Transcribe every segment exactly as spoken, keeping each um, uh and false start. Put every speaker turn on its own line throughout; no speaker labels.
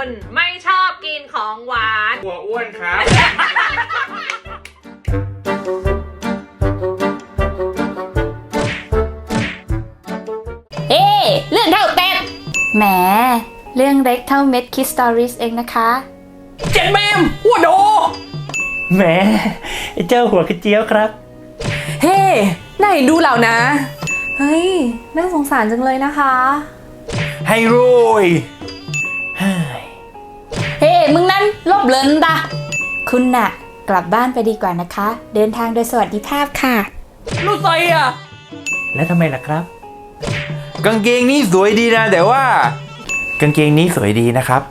คุณไม่ชอบกินของหวาน
กลัวอ้วนครับ
เอ๊เรื่องเท่าเต็มแหมเรื่องเล็กเท่าเม็ดคิสตอริสเองนะคะ
เจ็ดแมมหัวโดแหมไอ้เจ้าหัวกระเจี๊ยวครับ
เฮ้ไหนดูเหล่านะเฮ้ยน่าสงสารจังเลยนะคะ
ให้รวย
เฮ้มึงนั้นลบเลินตาคุณน่ะกลับบ้านไปดีกว่านะคะเดินทางโดยสวัสดิภาพค่ะ
รู้ใจอ่ะแล้วทำไมล่ะครับ
กางเกงนี้สวยดีนะแต่ว่ากางเกงนี้สวยดีนะครับ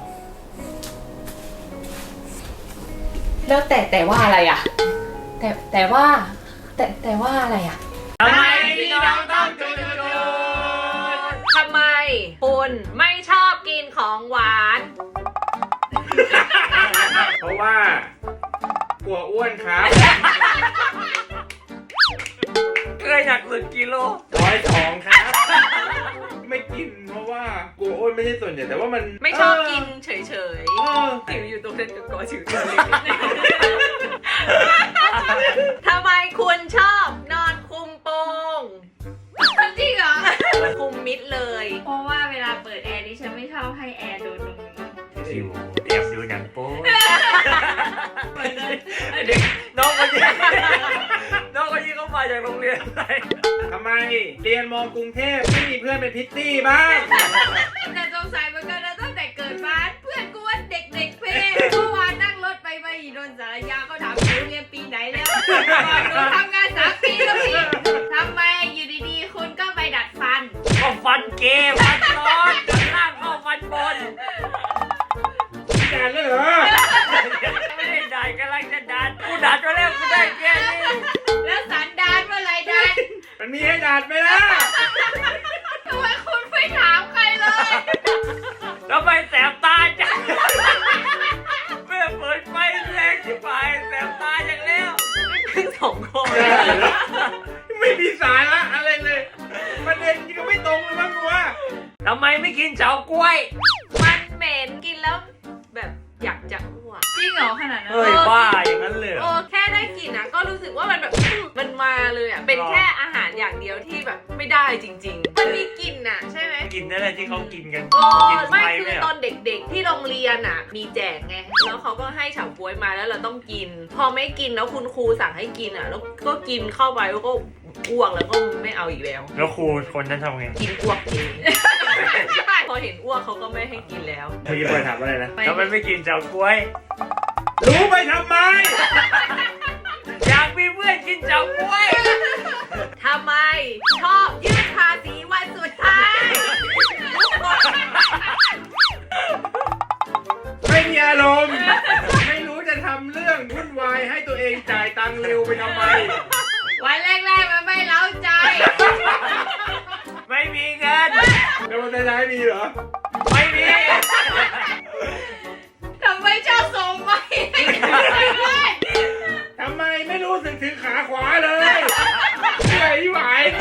แล้วแต่แต่ว่าอะไรอ่ะแต่แต่ว่าแต่แต่ว่าอะไรอ่ะ
ทำไมพี่น้องต้องจุดจุดทำไมคุณไม่ชอบกินของหวาน
เพราะว่ากลัวอ้วนครับ
เคยหนักสุดกิโล
ร้อยสองครับไม่กินเพราะว่ากลัวอ้วนไม่ใช่ส่วนใหญ่แต่ว่ามัน
ไม่ชอบกินเฉยๆผิวอยู่ตรงนั้นกับกอผิวตัวเล็กทำไมคุณชอบนอนคุมโปง
จริงเหรอ
คุมมิดเลย
เพราะว่าเวลาเปิดแอร์ดิฉันไม่ชอบให้แอร์โดนตรงนี้
ชิวเตรียมดูหนังโป๊น้องคนนี้น้องคนนี้เขามาจากโรงเรียนอะไร
ทำไมเรียนมอกรุงเทพไม่มีเพื่อนเป็นพิตตี้บ้าง
แต่สงสัยเหมือนกันนะตั้งแต่เกิดมาเพื่อนกูว่าเด็กๆเพ่เมื่อวานนั่งรถไปไปโดนสารยาเขาถามหนูเรียนปีไหนแล้วหนูทำงานสามปีแล้วพี่ทำไมอยู่ดีๆคุณก็ไปดัดฟัน
ก็ฟันเกมฟันร้อนดัดล่างก็ฟันบน
ดัดเลยเหรอ
ไม่ได้ดัดกำลังจะดัดกูดัดมาแล้วกูได้แค่นี้
แล้วสันดานเมื่อไรดัด
มันมีให้ดัดไหมล่ะ
ทำไมคุณไม่ถามใครเลย
ทำไมแสบตาจังเมื่อเปิดไฟแรงที่ปลายแสบตาอย่างแล้ว
ทั้งสองคน
ไม่มีสาระอะไรเลยประเด็นก็ไม่ตรงเลยมั้งวะ
ทำไมไม่กินเฉาก๊วย
มันเหม็นกินแล้วแบบอยากจะอ้วก
จริงเหรอขนาดนั้น
เฮ้ยบ้าอย่างนั้นเลย
โอ้แค่ได้กินนะก็รู้สึกว่ามันแบบมันมาเลยอ่ะเป็นแค่อาหารอย่างเดียวที่แบบไม่ได้จริงๆมันมีกลิ่นอ่ะใช่ไหม
กินนั่นแหละที่เขากินกัน
โอ้ไม่คือตอนเด็กๆที่โรงเรียนอ่ะมีแจกไงแล้วเขาก็ให้เฉาก๊วยมาแล้วเราต้องกินพอไม่กินแล้วคุณครูสั่งให้กินอ่ะแล้วก็กินเข้าไปแล้วก็อ้วกแล้วก็ไม่เอาอีกแล้ว
แล้วครูคนนั้นทำไง
กินอ้วกเองใช่พอเห็นอ้วกเขาก็ไม่ให้กินแล้ว
เมื่อกี้เปิดถามอะไรนะ
ทำไมไม่กินเฉาก๊วย
รู้ไปทำไม
อยากมีเพื่อนกินเฉาก๊วย
ทำไมชอบยื่นภาษีวันสุดท้าย
ไม่มีอารมณ์ไม่รู้จะทำเรื่องวุ่นวายให้ตัวเองจ่ายตังค์เร็วไปทำไม
วันแรกๆมันไม่เล้าใจ
ไม่มีเงิน
แล้ววันท้ายมีเหรอ
ไม่มี
ทำไมชอบส่งไป
ทำไมไม่รู้สึกถึงขาขวาเลยเหนื่อยไหว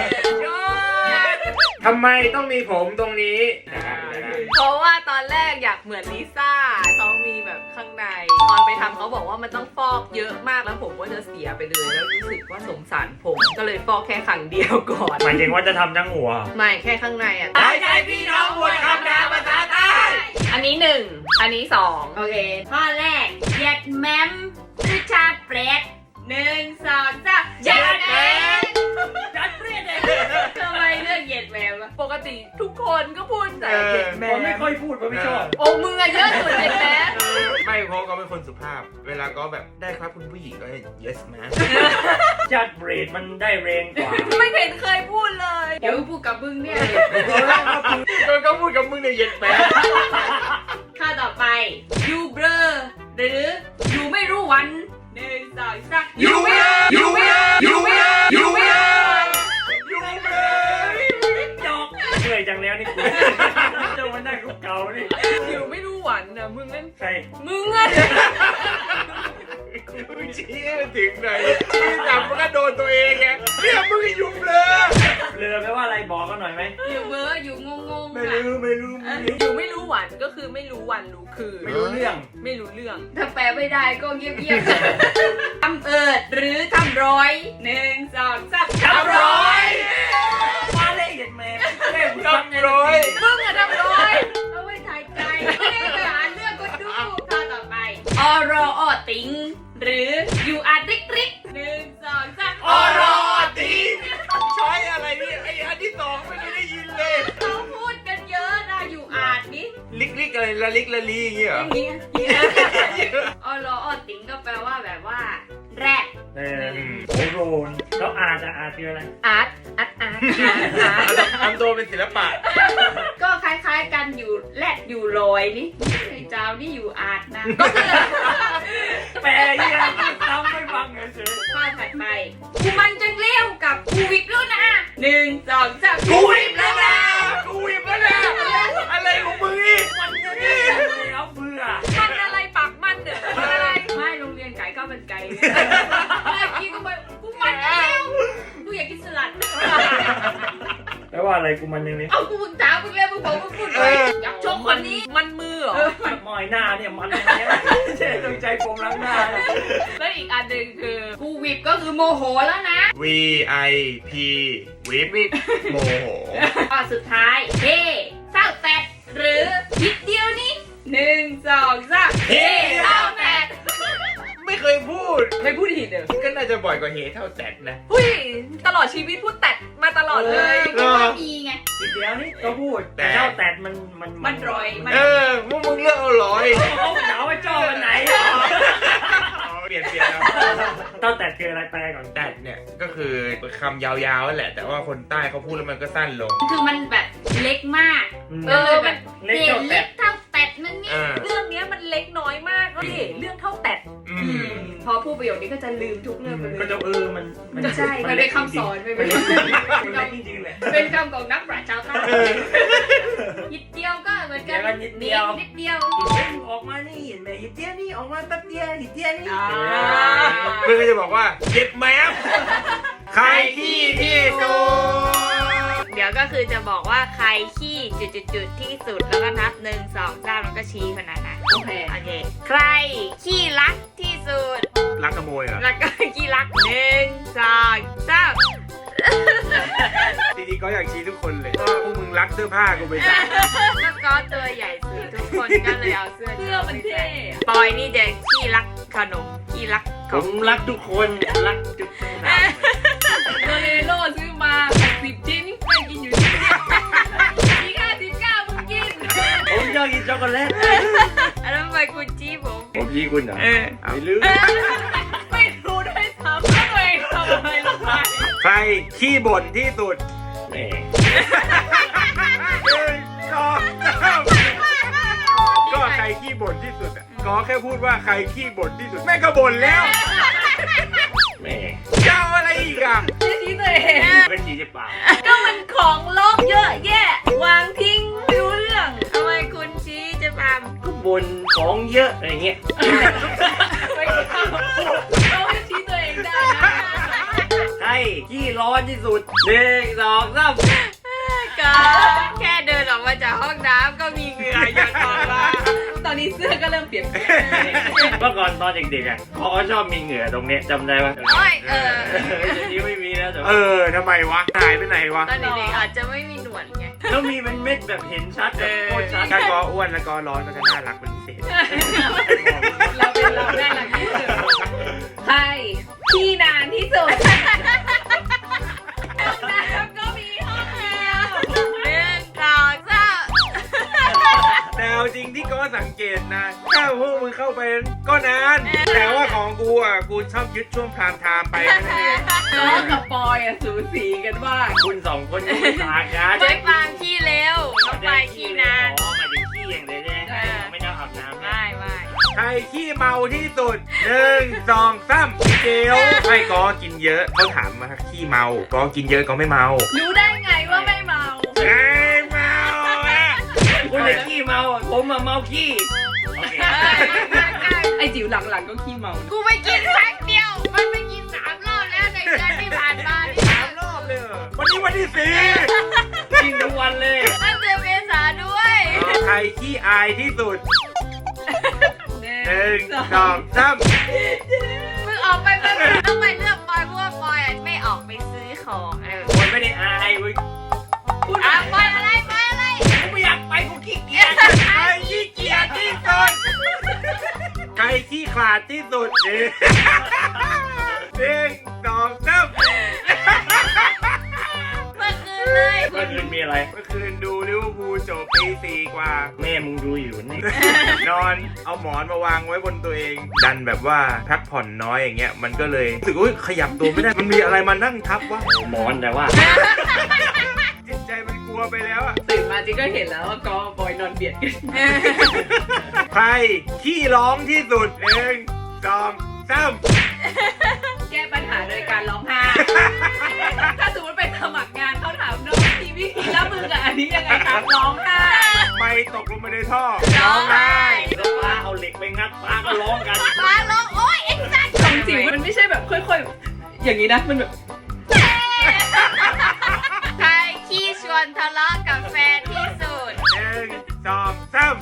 ทำไมต้องมีผมตรงนี้
เพราะว่าตอนแรกอยากเหมือนลิซ่าต้องมีแบบข้างในตอนไปทำเขาบอกว่ามันต้องฟอกเยอะมากแล้วผมก็จะเสียไปเลยแล้วรู้สึกว่าสงสารผมก็เลยฟอกแค่ครั้งเดียวก่อน
หมายถึงว่าจะทำทั้งหัว
ไม่แค่ข้างในอ่ะ
ได้ใจพี่น้องบวชคำนาภาษาใต้
อันนี้หนึ่งอันนี้สอง
โอเคข้อแรกเย็ดแมมคือชาเปรตหนึ่งสองสามเย็ดแมม
จัดเปรตเลย
ทำไมเลือกเย็ดแมม
ปกติทุกคนก็พูดแต่เย็ดแมม
ไม่ค่อยพูดเพราะไม่ชอบ
โอ้มึงอะเยอะสุดเย็ดแมม
ไม่เพราะก็เป็นคนสุภาพเวลาก็แบบได้ครับคุณผู้หญิงก็ yes man
จัดเปรตมันได้แรงกว่า
ไม่เห็นเคยพูดเลย
เดี๋ยวพูดกับมึงเนี่ย
ก็ก็พูดกับมึงในเย็ดแมม
ข้อต่อไป you blur หรือ you ไม่รู้วันหนึ่งสองสาม
you blur you blur you blur you blur you blur
จอกเหนื่อยจังแล้วนี่กูเจ้ามันได้คุกเก่านี่
you ไม่รู้วันนะมึงนั่น
ใช่
มึงอ่ะ
มึงชี้ถึงไหนที่จับมันก็โดนตัวเองไงเนี่ยมึงอยู่เบลอ
เรือแปลว่าอะไรบอกกันหน่อยไหม
อยู่เบอร์อยู่งงงๆ
ไม่
อะ
รู้ไม่รู้ไม่รู้
อยู่ไม่รู้วันก็คือไม่รู้วันรู้คืน
ไม่รู้เรื่อง
ไม่รู้เรื่อง
ถ้าแปลไม่ได้ก็เงียบๆ ทำเอิดหรือทำร้อยหนึ่งสองสามทำร้อย
มาเลยเห็นไหมเล่น
ทำร้อย
มึงอะทำร้อยเอาไว้ถ่ายใจไม่ได้ไปหาเรื่องคนดูข้อต่อไปออรอออติงหรือยูอาร์ติกริกหนึ่งสองสาม
ออรอตีใช้อะไรนี่ไอ้อันที่สองไม่ได้ยินเลย
เขาพูดกันเยอะนะยูอาร์นี่
ลิกลิกอะไรละลิกละลีอย่างเงี้ยเหร
อ
อย่าง
เงี้ยออรอออติงก็แปลว่าแบบว่าแรด
เออโอโรนแล้วอาร์ตอะอาร์ตคืออะไร
อาร์ตอาร์ตอาร์ตอาร์ต
ทำตัวเป็นศิลปะ
ก็คล้ายๆกันอยู่แรดอยู่ลอยนี่ไอ้เจ้านี่อยู่อาร์ตนะก็คือ
แปลยังทำไม่ฟังเฉย
ข้อถัดไปกูมันจังเลี้ยวกับกูวิบแล้วนะหนึ่งสองสาม
กูวิบแล้วนะกูวิบแล้วนะอะไรของมึงนี่
มันจะได้เอาเบื่อ
มันอะไรปากมันเด้อมันอะไร
ไม่โรงเรียนไก่ก็เป็นไก่ไงไม่กินกูไปกูมันจังเลี้ยวกูอยากกินสลัด
แปลว่าอะไรกูมันยังไง
เอากูมึงถามมึงแล้วมึงบอกมึงพูดเลยอยากชมคนนี้
มันมือเหรอ
มอยหน้าเนี่ยมันยังไงเจ๊ต้องใจผมล้างหน้า
แล้วอีกอันหนึ่งคือ
กูวิบก็คือโมโหแล้วนะ
V I P วิบ
วิบ
โมโห
ข้อสุดท้ายเฮ้เศร้าแตดหรือนิดเดียวนี่หนึ่งสองสามเฮ้เศร้าแตด
ไม่เคยพูด
ไม่พูดผิดเด้อ
ก็น่าจะบ่อยกว่าเฮเท่าแตดนะ
หุ้ยตลอดชีวิตพูดแตดมาตลอดเลย
ก็ว่ามีไง
ทีเดียวนี่ก็พูดแต่เจ้าแตดมันมัน
มันรอยมัน
เออพวกมึงเลือกเอาร้อย
เขาเหนาว่าเจ้าวันไหน
เปลี่ยนเปลี่ยนเอา
เจ้าแตดคืออะไรแปลก่อน
แตดเนี่ยก็คือคำยาวๆนั่นแหละ แต่ว่าคนใต้เขาพูดแล้วมันก็สั้นลง
คือมันแบบเล็กมาก
เออมัน
เล็ก
เศษ
เจ้าแต
เล็
ด
กเท่าแตดนั่นนี่
อ่า
เรื่องเนี้ยมันเล็กน้อยมากแล้วดิเรื่องเท่าแตด
อืม
พอพูดประโยคนี้ก็จะลืมทุกเรื่องไปเล
ก็
ย
จะเออมัน
ใช่ มันเป็นคำสอนไป
มัน
เลย
เล็กจริงๆเลย
เป็นคำของนักปราชญ์ชาวใต้นิดเดียวก็เหมือนกันนิดเดียวนิดเดียว
ออกมานี่เห็นไหมหิเตี้ยนี่ออกมาแป๊บเดียวหิเตี้ยนี่
อ่า
เพื่อนก็จะบอกว่าเจ็บแมวใครขี้ที่สุด
เดี๋ยวก็คือจะบอกว่าใครขี้จุดๆๆที่สุดแล้วก็นับหนึ่งสองสามแล้วก็ชี้คนนั้นนะโอเคโอเคใครขี้รักที่สุด
รักขโมยเหรอ
แล้วก็ขี้รักหนึ่งสองสาม
จริงๆก็อยากชี้ทุกคนเลยว่าพวกมึงรักเสื้อผ้ากูไปจ้ะ
แล้วก็ตัวใหญ่สุดทุกคนก็เลยเอาเสื้อ
เสื้อมันเท่
ปอยนี่จะขี้รักขนมขี้รักข
ผ
อง
มรักทุกคนรักทุกคน
โดเรโลซื้อมาแปดสิบชิ้นไม่กินอยู่ชิ้นเดียวอีกห้าสิบเก้ามึงกิน
ผมชอบกินช็อกโกแลต
อันนั้นไปคุณจี้ผม
ผมชี้คุณเหรอ
เออ
เอาลืม
ไม่รู้ด้วยซ้ำว่าตัวเองทำอะไรลงไป
ใครขี้บ่นที่สุด
แหม
หนึ่งสองสามก็ใครขี้บ่นที่สุดอ่ะก็แค่พูดว่าใครขี้บ่นที่สุดแม่งก็บ่นแล้ว
แหม
เจ้าอะไรอีกอ่ะ
ชี้ชี้ตัวเอง
ก็ชี้จะเปล่า
ก็มันของลบเยอะแยะ วางทิ้งไม่รู้เรื่อง
ทำไมคุณชี้จะพาม
ก็บนของเยอะอะไรเงี้ย
ไม่เข้าเราให้ชี้ตัวเองได้นะ
ใครขี้ร้อนที่สุดหนึ่งสองสาม
ก็แค่เดินออกมาจากห้องน้ำก็มีเหงื่อหยดออกมา
ตอนนี้เสื้อก็เริ่มเปลี่ยนแปลง
เมื่อก่อนตอนเด็กๆอ่ะเขาก็ชอบมีเหงื่อตรงเนี้ยจำได้ปะ
โอ้ยเออ
เดี๋ยวนี้ไม่มีแล้วแต่
เอ
ว่า
อทำไมวะหายไปไหนวะ
ตอนเด็กๆอาจจะไม่มีหนวดไง
แล้วมีเป็นเม็ดแบบเห็นชัดแบบโคตรชัด
ถ้าก็อ้วนแล้วก็ร้อนก็จะน่ารักเป็นพิเศษ
เราเป็นเราได้หลังที่สุดใครที่นานที่สุดห้องน้ำก็มีห้องแอร์
หนึ่งสองสาม
แต่เอาจริงที่ก็สังเกตนะถ้าพวกมึงเข้าไปก็นาน แต่ว่าของกูอ่ะกูชอบยึดช่วงพรามไทม์ไปแค่นั่นเอง
น้องกับปอยอะสูสีกันมาก
คุณสองคนยังไม่ต่างกัน
ไม่ฟางขี้เร็วน้องไปขี้นาน
อ๋อหมายถึงขี้อย่างเดียวใช่ไหม
เออ
ไม่ต้องอาบน้ำนะ
ไม่ไม่
ใครขี้เมาที่สุดหนึ่งสองสามเจลไม่ก็กินเยอะเขาถามมาขี้เมาก็กินเยอะก็ไม่เมา
รู้ได้ไงว่าไม่เมา
ไอ้เมาอะ
คุณเลยขี้เมาอ่ะผมมาเมาขี้โอเค
ไอจิ๋วหลังๆก็ขี้เมานะ
กูไปกินครั้งเดียว มันไปกินสามรอบแล้วในเดือนที่ผ่านมานี่
สามรอบเลยเหรอวันนี้วันที่สี่
กินทุกวันเลย
ตั้งเดือนเมษาด้วย
ใครขี้อายที่สุดหนึ่งสองสาม
มึงออกไปไปไปต้องไปเลือกบอยเพราะว่าบอยอะไม่ออกไปซื้อของเออ
คนไม่ได้อายเว้ย
อ่ะบอยอะไรบอยอะไร
กูไม่อยากไปกูขี้เกียจ
ใครขี้เกียจที่สุดใครขี้ขลาดที่สุดนี่หนึ่งสองสาม
เมื่อคืนเลย
เมื่อคืนมีอะไร
เมื่อคืนดูลิเวอร์พูลจบตีสี่กว่า
แม่มึงดูอยู่นี่
นอนเอาหมอนมาวางไว้บนตัวเอง ดันแบบว่าพักผ่อนน้อยอย่างเงี้ยมันก็เลยรู้สึกว่าขยับตัวไม่ได้มันมีอะไรมานั่งทับวะ
หมอนแต่ว่า
จิตใจมันกลัวไปแล้วอะ
ตื่นมาจิก็เห็นแล้วว่าก็บอยนอนเบียดกัน
ใครขี้ร้องที่สุดหนึ่งสองสาม
แก้ปัญหาโดยการร้องไห้ ถ้าสมมติไปสมัครงานเขาถามน้องทีวิธีแล้วมึงกับอันนี้ยังไงครับร้องไห้
ไม่ตกลงมาในท่อ
ร้องไห้
แล้วป้าเอาเหล็กไปงัดป้าก็ร้องกัน
ฟ้าร้องโอ๊ยไอ้สัตว์
ของจิ๋วมันไม่ใช่แบบค่อยๆ อย่างนี้นะมันแบบ
ใครขี้ชวนทะเลาะกับแฟนที่สุด
หนึ่งสองสาม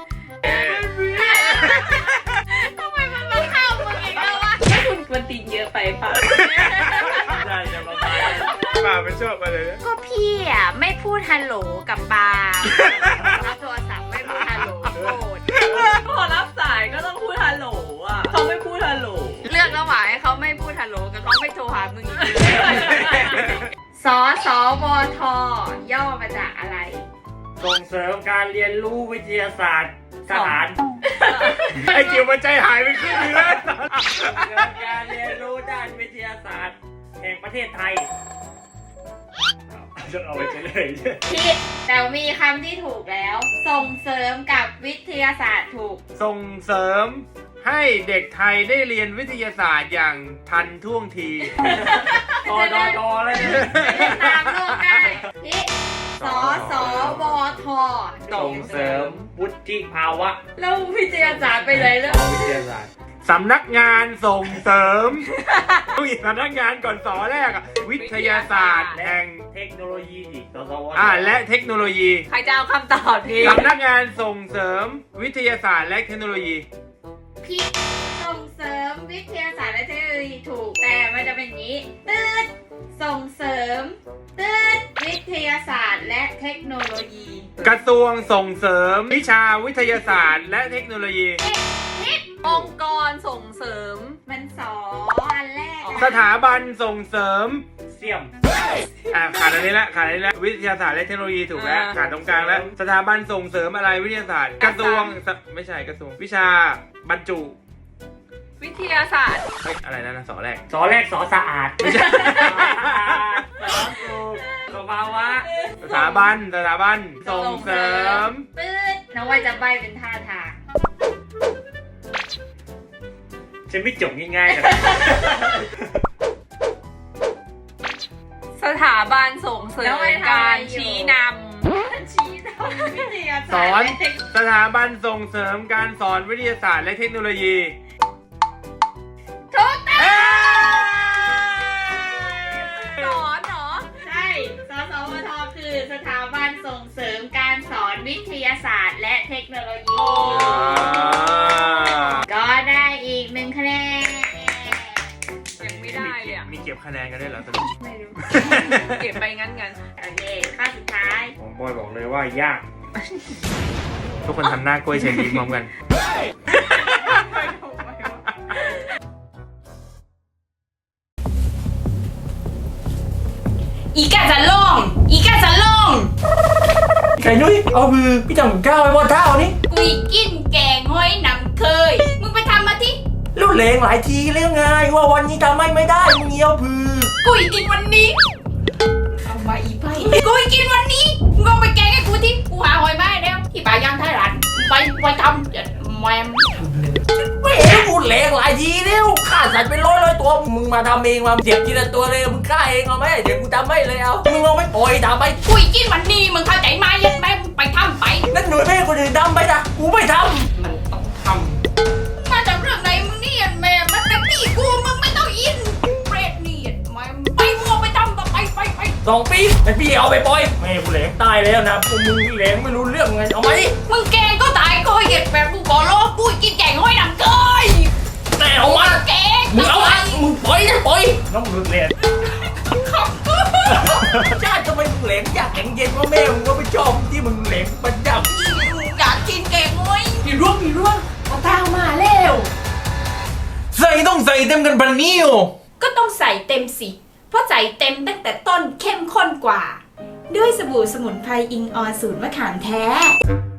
ทำไมมันมาเข้ามึงอีกแล้ววะ
ถ้าคุณกวนตีนเยอะไปป่ะ
ได้จะระบาย
ป่ามันชอบมาเลยนะ
ก็พี่อ่ะไม่พูดฮัลโหลกับปารับโทรศัพท์ไม่พูดฮัลโหลโกรธ
พอรับสายก็ต้องพูดฮัลโหลอ่ะเขาไม่พูดฮัลโหล
เลือกระหว่างให้เขาไม่พูดฮัลโหลกับเขาไม่โทรหามึงอีกเลยสอสอวทย่อมาจากอะไร
ส่งเสริมการเรียนรู้วิทยาศาสตร์ทหาร
ไอ้จิ๋วมันใจหายไปครึ่งนึงแล้ว
เกิดการเรียนรู้ด้านวิทยาศาสตร์แห่งประเทศไทยจะเอาไปเฉลย
ผิดแต่มีคำที่ถูกแล้ว ส่งเสริมกับวิทยาศาสตร์ถูก
ส่งเสริมให้เด็กไทยได้เรียนวิทยาศาสตร์อย่างทันท่วงที
ต่อต่อต่อเลย
จะได้ตามโลกได้พิสอสอวท
ส่งเสริมวุฒิภาวะ
แล้ววิทยาศาสตร์ไปเลยแล้ว
วิทยาศาสตร์
สำนักงานส่งเสริมต้องอีกสำนักงานก่อนสอแรกอะวิทยาศาสตร์แห่ง
เทคโนโลยีอีกสสว
อ่าและเทคโนโลยี
ใครจะเอาคำตอบนี้
สำนักงานส่งเสริมวิทยาศาสตร์และเทคโนโลยี
พิส่งเสริมวิทยาศาสตร์และเทคโนโลยีถูกแต่มันจะเป็นอย่างนี้ตืดส่งเสริมตืดวิทยาศาสตร์และเทคโนโลยี
กระทรวงส่งเสริมวิชาวิทยาศาสตร์และเทคโนโลยี
องค์กรส่งเสริม
มันสออันแรกอะ
สถาบันส่งเสริม
เสี่ยม
อ่าขาดอันนี้ละขาดอันนี้ละวิทยาศาสตร์และเทคโนโลยีถูกแล้ว
อ่า
ขาดตรงกลางแล้วสถาบันส่งเสริมอะไรวิทยาศาสตร์ กระทรวงสไม่ใช่กระทรวงวิชาบรรจุ
วิทยาศาสตร์
เฮ้ยอะไรนะนะสอแรก
สอแรกสอสะอาดไม่ใช่สอสูกสภาวะ
สถาบันสถาบันส่งเสริม
ตืดน้องว่าจะใบเป็นท่าทาง
ฉันไม่จบง่ายๆนะ
สถาบันส่งเสริมการชี้น
ชี้นำวิทยา
ส
ศาสตร์
อน
และเทค
สถาบันส่งเสริมการสอนวิทยาศาสตร์และเทคโนโลยี
ถูกต้อง
เอ้ย
ำสอนเหรอ
ใช่สสวทคือสถาบันส่งเสริมการสอนวิทยาศาสตร์และเทคโนโลยี ก็ได้อีกหนึ่งคะแนน
ยังไม่ได้เลยอะ
มีเก็บคะแนนกันได้วยเหรอสรุป
ไม่รู้
เก็บไปงั้นงั้น
โอเคข้อสุดท้าย
ผมบอยบอกเลยว่ายาก
ทุกคนทำหน้ากล้วยเชนยิ้มพร้อมกัน
อีกาจะลง อีกาจะลง
ไก่นุ้ยเอามือพี่จังก้าวไปบนเท้านี่
กุยกินแกงห้อยนำเคย มึงไปทำมาที่
รุ่นเลงหลายทีแล้วไงว่าวันนี้ทำไม่ไม่ได้มึงเงี้ยวพือ
กุยกินวันนี้ เอามาอีไพ่กุยกินวันนี้ มึงเอาไปแกงให้กูที่กูหาหอยมาให้แล้ว ที่ป่าย่างไทยรัฐไปไปทำเดี๋ยวแมม
ไม่เห็นพูดเลงหลายทีแล้วฆ่าสัตว์เป็นร้อยร้อยตัวมึงมาทำเองมาเสียบทีละตัวเลยมึงฆ่าเองเอาไหมเดี๋ยวกูทำไม่เลยเอามึงเอาไม่ปล่อยทำไป
กุยกินวันนี้มึงเข้าใจไหมยัดแม่มึงไปทำไป
นั่นหน่วยแม่คนอื่นทำไปนะกูไม่ท
มันต้องทำมาจากเรื่องไหนมึงเนี่ยแม่มันเป็นตีกูมึงไม่ต้องอินเปรตนี่แม่ไปมัวไปทำต่อไปไปไป
สองปีไอพี่เอาไปปล่อยแม่กูแหลงตายแล้วนะพวกมึงแหลงไม่รู้เรื่องไงเอาไหม
มึงแกงก็ตายก็เหยียดแบบกูขอร้องกูกินแกงห้อยหนังเกย
แต่เอามา
แกง
มึงเอามามึงปล่อยนะปล่อยน้องมึงแหลงชาติทำไมมึงแหลงอยากแข็งเย็นว่าแม่มึงก็ไม่ชอบที่มึงแหลงประจำ
อยากกินแกงห้อยมีร่วงมีร่วงเอาตามาแล้ว
ใส่ต้องใส่เต็มกันปันนี้โอ
ก็ต้องใส่เต็มสิ เพราะใส่เต็มตั้งแต่ต้นเข้มข้นกว่า ด้วยสบู่สมุนไพรอิงออนสูตรมะขามแท้